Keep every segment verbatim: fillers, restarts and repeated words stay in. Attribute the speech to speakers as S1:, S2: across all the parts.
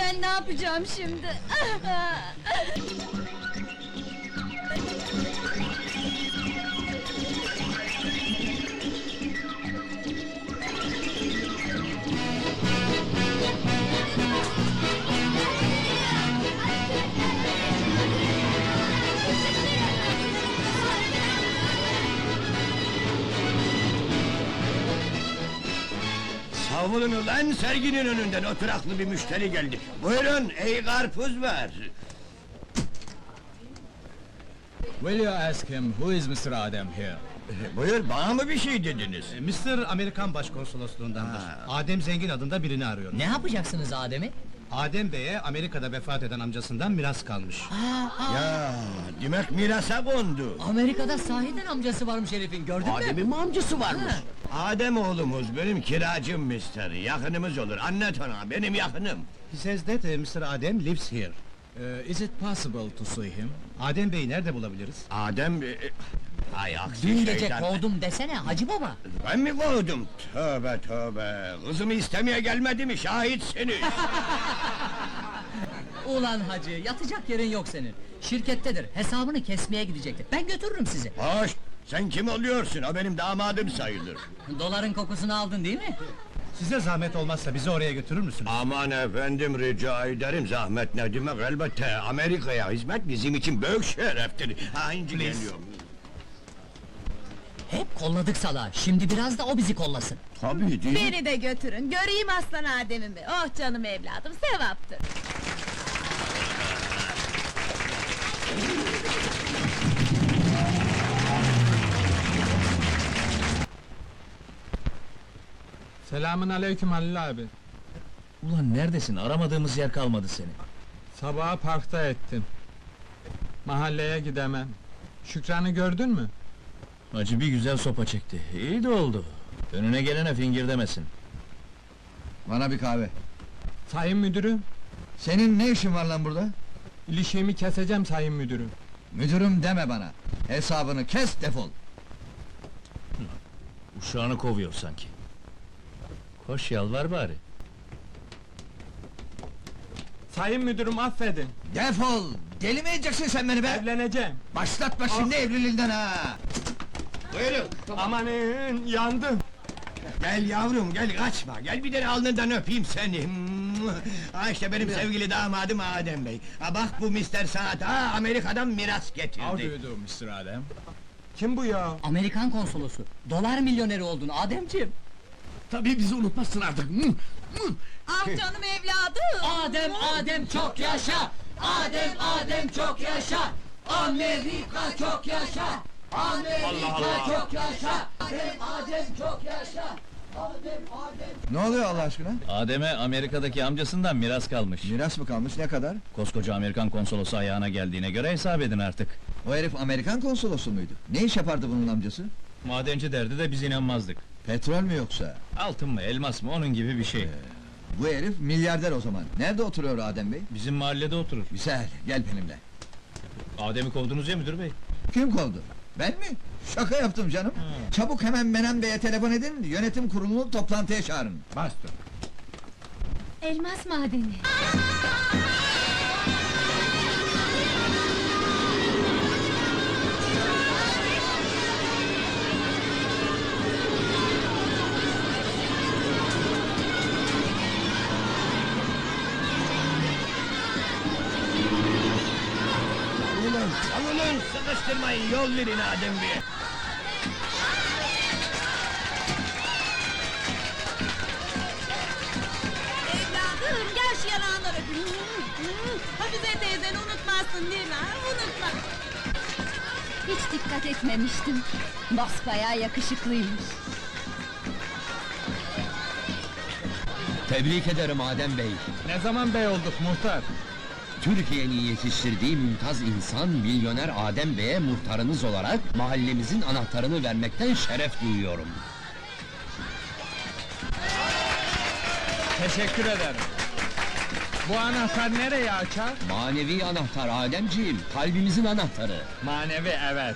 S1: Ben ne yapacağım şimdi?
S2: Savulun ulan, serginin önünden oturaklı bir müşteri geldi. Buyurun, ey karpuz var.
S3: Will you ask him who is mister Adem here?
S2: Buyur, bana mı bir şey dediniz?
S4: mister Amerikan Başkonsolosluğundandır. Adem Zengin adında birini arıyor.
S5: Ne yapacaksınız Adem'i?
S4: Adem Bey'e Amerika'da vefat eden amcasından miras kalmış.
S2: Ya, demek mirasa kondu.
S5: Amerika'da sahiden amcası varmış herifin, gördün mü?
S2: Adem'in mi amcası varmış? Adem oğlumuz, benim kiracım mister, yakınımız olur, anlat ona, benim yakınım.
S4: He says that uh, mister Adem lives here.
S3: Uh, is it possible to see him?
S4: Adem Bey'i nerede bulabiliriz?
S2: Adem... e, Ay aksi
S5: Dün gece
S2: şeytan.
S5: kovdum desene Hacı Baba!
S2: Ben mi kovdum? Tövbe tövbe! Kızımı istemeye gelmedi mi, şahitsiniz!
S5: Ulan Hacı, yatacak yerin yok senin! Şirkettedir, hesabını kesmeye gidecektir, ben götürürüm sizi!
S2: Hoş! Sen kim oluyorsun? O benim damadım sayılır.
S5: Doların kokusunu aldın değil mi?
S4: Size zahmet olmazsa bizi oraya götürür müsünüz?
S2: Aman efendim, rica ederim, zahmet ne demek, elbette! Amerika'ya hizmet bizim için büyük şereftir! Ha, inci geliyorum!
S5: Hep kolladık salağı, şimdi biraz da o bizi kollasın!
S2: Tabii değil mi?
S1: Beni de götürün, göreyim aslan Adem'imi! Oh canım evladım, sevaptır!
S3: Selamün aleyküm Halil abi.
S6: Ulan neredesin? Aramadığımız yer kalmadı seni.
S3: Sabaha parkta ettim. Mahalleye gidemem. Şükran'ı gördün mü?
S6: Hacı bir güzel sopa çekti. İyi de oldu. Önüne gelene fingir demesin.
S7: Bana bir kahve.
S3: Sayın müdürüm,
S7: Senin ne işin var lan burada?
S3: ilişiğimi keseceğim sayın müdürüm.
S7: Müdürüm deme bana. Hesabını kes, defol.
S6: Uşağını kovuyor sanki. Koş yalvar bari.
S3: Sayın müdürüm affedin,
S7: Defol! Deli mi edeceksin sen beni be?
S3: evleneceğim.
S7: Başlatma şimdi evliliğinden ha!
S2: Buyurun!
S3: Amanın, yandım.
S2: Gel yavrum, gel kaçma, gel bir de alnından öpeyim seni! Ha işte benim sevgili damadım Adem Bey! Ha bak bu mister Saat, ha Amerika'dan miras
S3: How do
S2: getirdi!
S3: you do mister Adem? Kim bu ya?
S5: Amerikan konsolosu, dolar milyoneri oldun Ademciğim!
S6: Tabii bizi unutmazsın artık.
S1: Ah canım evladım!
S5: Adem, Adem çok yaşa! Adem, Adem çok yaşa! Amerika çok yaşa! Amerika çok yaşa! Adem, Adem çok yaşa! Adem, Adem...
S7: Ne oluyor Allah aşkına?
S6: Adem'e Amerika'daki amcasından miras kalmış.
S7: Miras mı kalmış, ne kadar?
S6: Koskoca Amerikan konsolosu ayağına geldiğine göre hesap edin artık.
S7: O herif Amerikan konsolosu muydu? Ne iş yapardı bunun amcası?
S6: Madenci derdi de biz inanmazdık.
S7: Petrol mü yoksa?
S6: Altın mı, elmas mı, onun gibi bir şey.
S7: Bu herif milyarder o zaman. Nerede oturuyor Adem Bey?
S6: Bizim mahallede oturur.
S7: Güzel, gel benimle.
S6: Adem'i kovdunuz ya müdür bey.
S7: Kim kovdu? Ben mi? Şaka yaptım canım. Çabuk hemen Menem Bey'e telefon edin, yönetim kurulunu toplantıya çağırın.
S3: Bastır.
S1: Elmas madeni!
S2: Savulun, savulun, sıkıştırmayın, yol verin Adem Bey!
S1: Evladım, gel şu yanağından öpeyim! Hafize teyzeni unutmazsın değil mi ha? Unutma! Hiç dikkat etmemiştim. Basbayağı yakışıklıymış.
S8: Tebrik ederim Adem Bey.
S3: Ne zaman bey olduk muhtar?
S8: Türkiye'nin yetiştirdiği mümtaz insan milyoner Adem Bey'e muhtarınız olarak mahallemizin anahtarını vermekten şeref duyuyorum.
S3: Teşekkür ederim. Bu anahtar nereye açar?
S8: Manevi anahtar Ademciğim, kalbimizin anahtarı.
S3: Manevi evet.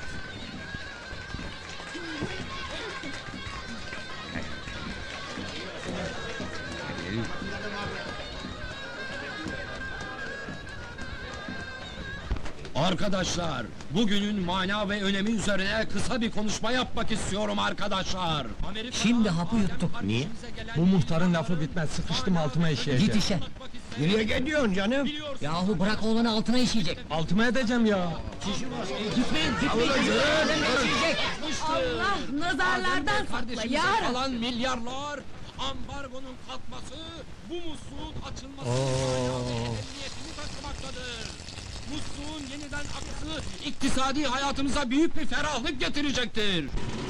S8: Arkadaşlar, bugünün mana ve önemi üzerine kısa bir konuşma yapmak istiyorum arkadaşlar.
S3: Şimdi hapı yuttuk. Niye? Bu muhtarın lafı bitmez, sıkıştım altıma işeyeceğim.
S5: Git işe.
S2: Nereye gidiyorsun canım?
S5: Yahu bırak oğlanı altına işeyecek.
S3: Altıma edeceğim ya.
S5: Gitmeyin, gitmeyin. Adem Bey işeyecek.
S1: Allah nazarlardan sakla
S8: Kardeşimize
S1: ya Rabbi.
S8: kalan milyarlar, ambargonun kalkması, bu musluğun açılması niyetini taşımaktadır. Musluğun yeniden akısı iktisadi hayatımıza büyük bir ferahlık getirecektir.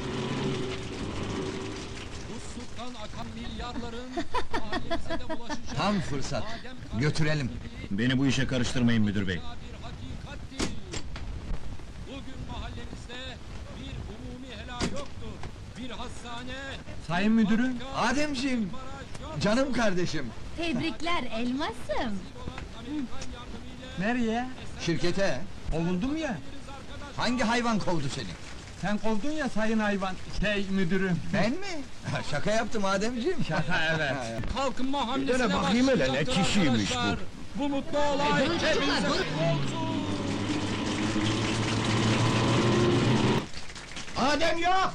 S8: Musluktan akan milyarların mahallemize de ulaşacağı
S7: Tam fırsat.
S8: Adem
S7: Götürelim.
S6: Beni bu işe karıştırmayın müdür bey.
S8: bir hakikattir. Bugün mahallemizde bir umumi helal yoktur. Bir hastane,
S3: Sayın müdürüm.
S7: Ademciğim, canım kardeşim.
S1: Tebrikler elmasım.
S3: Nereye?
S7: Şirkete.
S3: Kovuldum ya.
S7: Hangi hayvan kovdu seni?
S3: Sen kovdun ya sayın hayvan. Şey müdürüm.
S7: Ben mi? Şaka yaptım Ademciğim.
S3: Şaka evet.
S8: kalkınma hamlesine
S2: Bir de bakayım hele, ne
S8: başlayacaktır
S2: kişiymiş bu?
S8: arkadaşlar. Bu mutlu olay
S5: durun çocuklar,
S8: hepinize
S5: durun.
S8: kutlu olsun.
S2: Adem yok!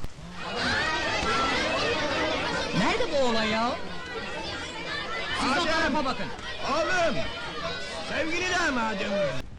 S5: Nerede bu oğlan ya? Siz o
S2: Adem!
S5: tarafa bakın.
S2: Oğlum! Sevgili damadım!